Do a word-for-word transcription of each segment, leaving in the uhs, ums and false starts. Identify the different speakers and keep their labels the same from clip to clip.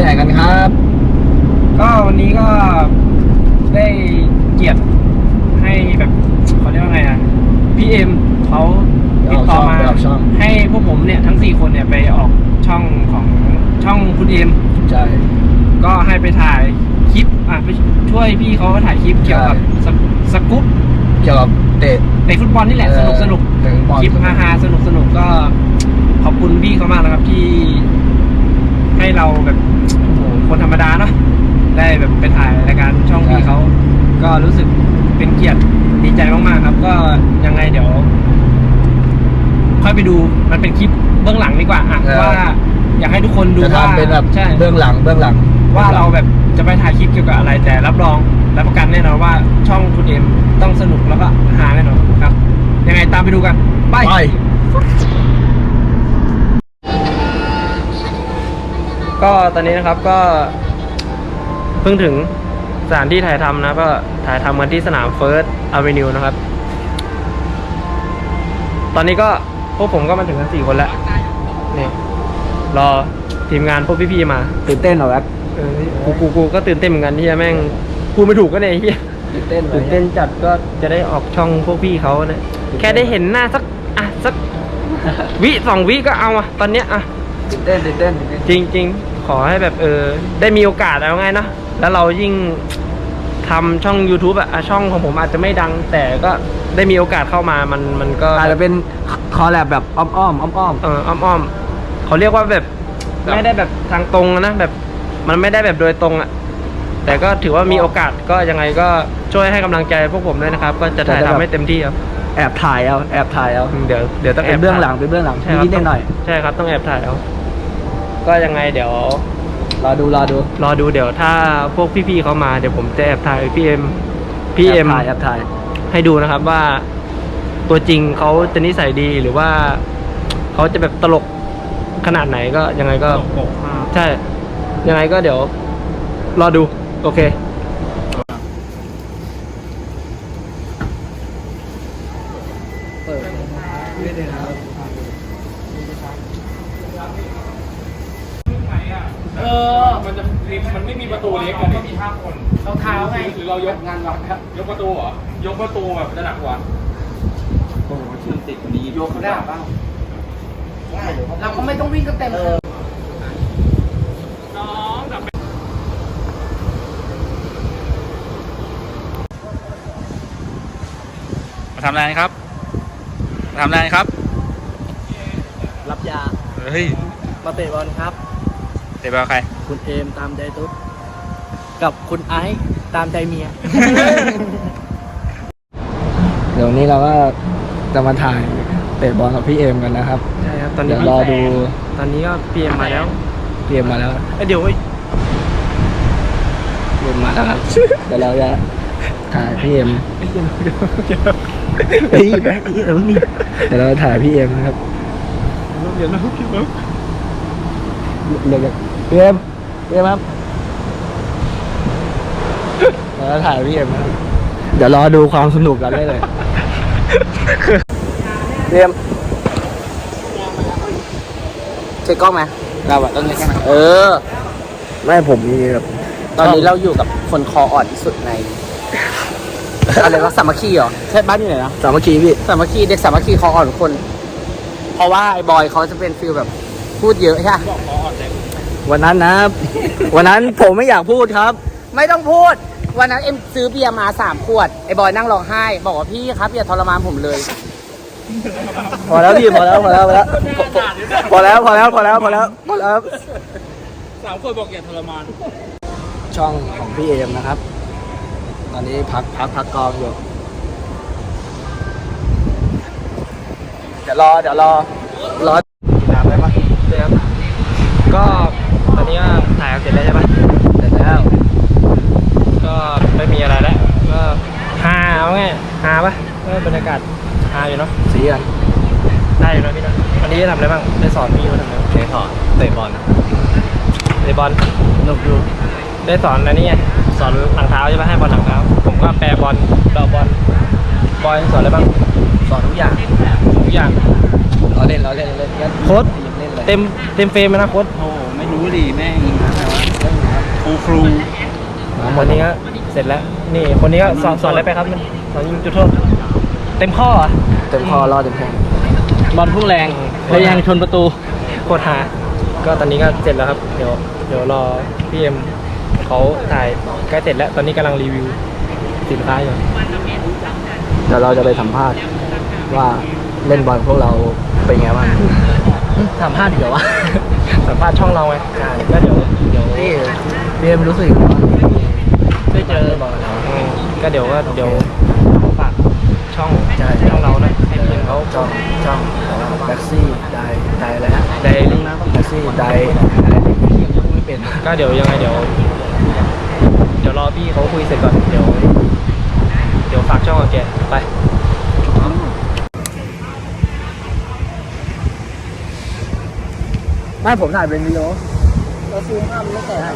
Speaker 1: นกันครับ
Speaker 2: ก็วันนี้ก็ได้เกียรติให้แบบเขาเรียกว่าไงอ่ะพี่เอ็มเขาติดต่อมาให้พวกผมเนี่ยทั้งสี่คนเนี่ยไปออกช่องของช่องคุณเอ็ม
Speaker 1: ใช่
Speaker 2: ก็ให้ไปถ่ายคลิปอ่ะไปช่วยพี่เขาถ่ายคลิปเกี่ยวกับสกู๊ป
Speaker 1: เกี่ยวกับเตะ
Speaker 2: เตะฟุตบอลนี่แหละสนุกสนุกคลิปฮาๆสนุกสนุกก็ขอบคุณพี่เขามากนะครับที่ให้เราแบบโอ้โหคนธรรมดาเนาะได้แบบไปถ่ายรายการช่องพี่เขาก็รู้สึกเป็นเกียรติดีใจมากๆครับก็ยังไงเดี๋ยวค่อยไปดูมันเป็นคลิปเบื้องหลังดีกว่าอ่ะว่าอยากให้ทุกคนดูว่า
Speaker 1: เป็นแบบใช่เบื้องหลังเบื้องหลัง
Speaker 2: ว่าเราแบบจะไปถ่ายคลิปเกี่ยวกับอะไรแต่รับรองรับประกันแน่นอนว่าช่องคุณเอ็มต้องสนุกแล้วก็หาแน่นอนครับยังไงตามไปดูกันไปก็ตอนนี้นะครับก็เพิ่งถึงสถานที่ถ่ายทำนะก็ถ่ายทำกันที่สนาม First Avenue นะครับตอนนี้ก็พวกผมก็มาถึงกันสี่คนแล้วนี่รอทีมงานพวกพี่ๆมา
Speaker 1: ตื่นเต้นเหรอครับ
Speaker 2: เออกูกูกูก็ตื่นเต้นเหมือนกันที่แม่งพูดไม่ถูกก็เนี่ยเฮีย
Speaker 1: ตื่นเต้น
Speaker 2: ตื่นเต้นจัดก็จะได้ออกช่องพวกพี่เขาเนี่ยแค่ได้เห็นหน้าสักอ่ะสักวิสองวิก็เอาอ่ะตอนเนี้ยอ่ะ
Speaker 1: ตื่นเต้นตื่นเต้น
Speaker 2: จริงจริงขอให้แบบเออได้มีโอกาสเอาไงเนาะแล้วเรายิ่งทำช่อง YouTube อะช่องของผมอาจจะไม่ดังแต่ก็ได้มีโอกาสเข้ามามันมันก็
Speaker 1: อาจจะเป็นคอลแลบแบบอ้อมอ้อมอ้อมอ้อม
Speaker 2: เอออ้อมอ้อมเขาเรียกว่าแบบไม่ได้แบบทางตรงนะแบบมันไม่ได้แบบโดยตรงอะแต่ก็ถือว่ามีโอกาสก็ยังไงก็ช่วยให้กำลังใจพวกผมด้วยนะครับก็จะถ่ายทำให้เต็มที่ครับ
Speaker 1: แอบถ่ายเอาแอบถ่ายเอา
Speaker 2: เดี๋ยวเดี๋ยวต้องแอบ
Speaker 1: เบื้องหลังเป็นเบื้องหลังนิดหน่อย
Speaker 2: ใช่ครับต้องแอบถ่ายเอาก็ยังไงเดี๋ยว
Speaker 1: รอดูรอดู
Speaker 2: รอดูเดี๋ยวถ้าพวกพี่ๆเขามาเดี๋ยวผมจะแอบถ่ายพี่เอ็มพี่เอ็ม
Speaker 1: ถ่ายแอบถ่าย
Speaker 2: ให้ดูนะครับว่าตัวจริงเขาจะนิสัยดีหรือว่าเขาจะแบบตลกขนาดไหนก็ยังไงก็ใช่ยังไงก็เดี๋ยวรอดูโอเค
Speaker 3: เออมันจะมันไม่มีประตูเล็กกันมีห้าคนเราเท้าไงหรือเรายกงานวัดครับยกประตูเหรอยกประตูแบบจะหนักกว่าโอ้โหชื่อติดนี้ยกได้ป่ะได้เราก็ไม่ต้องวิ่งก็เต็มเลยน้องดับมาทำอะไรครับมาทำอะไรครับ
Speaker 1: รับยา
Speaker 3: เฮ้ย
Speaker 1: มาเตะบอลครับ
Speaker 3: เตะบอลใคร
Speaker 1: คุณเอมตามใจตุ๊ดกับคุณไอซ์ตามใจเมีย เดี๋ยวนี้เราก็จะมาถ่ายเตะบอลกับพี่เอมกันนะครับ
Speaker 2: ใช่ครับตอนนี้
Speaker 1: รอดู
Speaker 2: ตอนนี้ก็พี่เอมมาแล้ว
Speaker 1: พี่เอมมาแล้ว
Speaker 2: เดี๋ยว
Speaker 1: พี่เอมมาแล้วครับเดี๋ยวเราจะถ่ายพี่เอมเฮ้ยแบ๊กเออนี่เดี๋ยวเราถ่ายพี่เอมนะครับ
Speaker 2: เดี๋ยวนะพี่เอม
Speaker 1: เดี๋ยวพี่เอ็มพี่เอ็มครับแล้วถ่ายพี่เอ็มนะเดี๋ยวรอดูความสนุกกันได้เลยพี่เอ็มเช็คกล้องไหมเราอะต้องเช็คกล้องเออไม่ผมมีแบบตอนนี้เราอยู่กับคนคออ่อนที่สุดในอะไรวะสามัคคีเหรอใช่บ้านอยู่ไหนนะสามัคคีพี่สามัคคีเด็กสามัคคีคออ่อนทุกคนเพราะว่าไอ้บอยเขาจะเป็นฟีลแบบพูดเยอะใช่ไหมวันนั้นนะวันนั้นผมไม่อยากพูดครับไม่ต้องพูดวันนั้นเอ็มซื้อเบียร์มาสามขวดไอ้บอยนั่งร้องไห้บอกว่าพี่ครับอย่าทรมานผมเลยพอแล้วพี่พอแล้วพอแล้วพอแล้วพอแล้วพอแล้วพอแล้วพอแล้วพอแล้ว
Speaker 3: สามคนบอกอย่าทรมาน
Speaker 1: ช่องของพี่เอมนะครับตอนนี้พักพักพักกองอยู่เดี๋ยวรอเดี๋ยวรอรอถามได้ไหม
Speaker 2: เดี๋ยวก็ตอนนี้ก็ถ่ายเสร็จแล้วใช่ปะ
Speaker 1: เสร็จแล้ว
Speaker 2: ก็ไม่มีอะไรแล้วก็ฮาเอาไงฮาปะก็บรรยากาศฮาอยู่เนาะ
Speaker 1: สีกัน
Speaker 2: ได้อยู่นะพี่นะวันนี้ทำอะไรบ้างได้สอนพี่เขาทำอะไร
Speaker 1: ได้สอนเตะบอล
Speaker 2: เตะบอล
Speaker 1: สนุกอยู่
Speaker 2: ได้สอนอะไรนี่ไงสอนหลังเท้าใช่ปะให้บอลหลังเท้าผมก็แปรบอลเดาบอลบอยสอนอะไรบ้าง
Speaker 1: สอนทุกอย่าง
Speaker 2: ทุกอย่าง
Speaker 1: เราเล่นเราเล่นเราเล่น
Speaker 2: โค้ชเต็มเต็มเฟรมนะโค้ช
Speaker 3: โอ้ไม่รู้ดิแม่ง
Speaker 1: แล้ว
Speaker 3: รูครู
Speaker 2: คนนี้ก็เสร็จแล้ว นี่คนนี้ก็สอนสอนอะไรไปครับสอนยิงจุดโทษเต็มข้อเหรอ
Speaker 1: เต็มคอรอดเต็มแข้ง
Speaker 2: บอลพุ่งแรงแล้วยังชนประตูโคตรหาก็ตอนนี้ก็เสร็จแล้วครับ เดี๋ยวเดี๋ยวรอพี่เอ็มเขาถ่ายใกล้เสร็จแล้ว ตอนนี้กำลังรีวิวสินค้าอยู่
Speaker 1: เดี๋ยวเราจะไปสัมภาษณ์ว่าเล่นบอลพวกเราเป็นไงบ้าง
Speaker 2: สัมภาษณ์เดี๋ยววะ สัมภาษณ์ช่องเราไงก็เดี๋ยวเดี๋ยว
Speaker 1: นี่เรียมรู้สึกว่า
Speaker 2: ได้เจอ
Speaker 1: บอลเรา
Speaker 2: อืมก็เดี๋ยวก็เดี๋ยวฝากช่อง
Speaker 1: ใช่
Speaker 2: ช่องเรานะให้พี่เอ็มเขา
Speaker 1: ช่องช่องแบ็กซี่ได้ได้แล้ว
Speaker 2: ไดรี่
Speaker 1: แบ็กซี่ได้อะไรที่ยังไม่เป็น
Speaker 2: ก็เดี๋ยวยังไงเดี๋ยว เดี๋ยวรอพี่เขาคุยเสร็จก่อนเดี๋ยว เดี๋ยวฝากช่องกับแกไป
Speaker 1: ไม่ผมถ่ายเป็นวิดีโอเราซูมภาพมันไม่แตก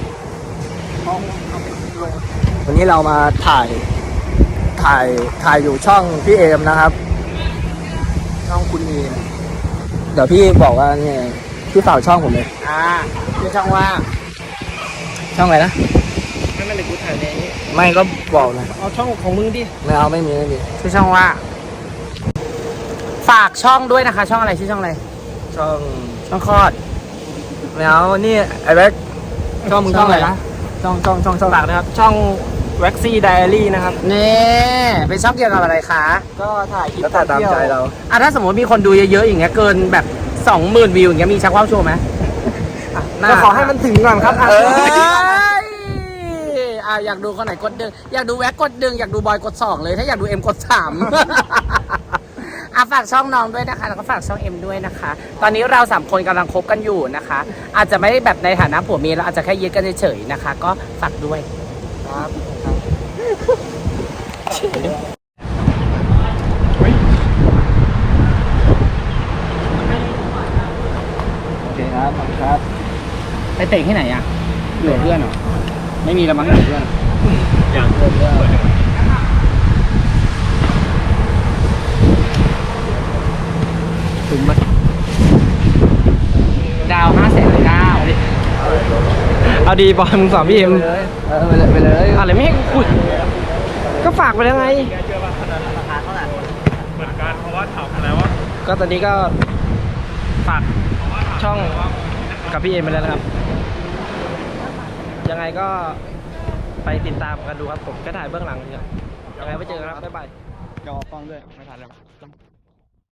Speaker 1: วันนี้เรามาถ่ายถ่ายถ่ายอยู่ช่องพี่เอมนะครับ ช่องคุณเอมเดี๋ยวพี่บอกว่าเนี่ยพี่ฝากช่องผมเลย
Speaker 2: อ่าชื่อช่องว่า
Speaker 1: ช่องอะไรนะ
Speaker 2: ไม่ไม่เลยกูถ่ายในนี้
Speaker 1: ไม่ก็บอกนะ
Speaker 2: เอาช่องของมึงดิ
Speaker 1: ไม่เอาไม่มีไม่มี
Speaker 2: ชื่อช่องว่า ฝากช่องด้วยนะคะ ช่องอะไรชื่อช่องอะไร
Speaker 1: ช่อง
Speaker 2: ช่องคลอด
Speaker 1: ไม่เอานี่ไอ้แบ็คช่องมึงช่องอะไรนะช่องช่องช่องช่อง
Speaker 2: ฝากนะครับ ช่อง Waxy Diary นะครับ
Speaker 1: นี่เป็นช่องเกี่ยวกับอะไรคะ
Speaker 2: ก็ถ่ายคลิป
Speaker 1: ก็ถ่ายตามใจเรา
Speaker 2: อ่ะถ้าสมมติมีคนดูเยอะๆอย่างเงี้ยเกินแบบสองหมื่นวิวอย่างเงี้ยมีชักว่าวโชว์ไหมก็ขอให้มันถึงก่อนครับ
Speaker 1: เออ
Speaker 2: อ่ะอยากดูคนไหนกดดึงอยากดูแว็กกดดึงอยากดูบอยกดสองเลยถ้าอยากดูเอ็มกดสาม อ่ะฝากช่องน้องด้วยนะคะแล้วก็ฝากช่องเอ็มด้วยนะคะ ตอนนี้เราสามคนกำลังคบกันอยู่นะคะ อาจจะไม่ได้แบบในฐานะผัวเมียเราอาจจะแค่ยึดกันเฉยๆนะคะ ก็ฝากด้วย
Speaker 1: ครับโอเคครับขอบคุณครับ
Speaker 2: ไปเตะที่ไหนอ่ะอยู่กับเพื่อนเหรอไม่มีละมั้งอยู่กับเพื่อน
Speaker 3: อย่าง
Speaker 1: เริ่มเริ่ม
Speaker 2: ถึงไหมดาวห้าแสนเก้าเอาดีบอลมึงสอนพี่เอ็ม
Speaker 1: ไปเลยเออไปเลยไปเลย
Speaker 2: อะไรไม่ให้คุยก็ฝากไปแล้วไง
Speaker 3: เหมือนกันเพราะว่าถามแล้วว่า
Speaker 2: ก็ตอนนี้ก็ฝากช่องกับพี่เอ็มไปแล้วนะครับ ยังไงก็ไปติดตามกันดูครับผมก็ถ่ายเบื้องหลังเนี่ยยังไงไปเจอกันครับบ๊ายบาย
Speaker 3: จอฟังด้วยไม่ทันแล้ว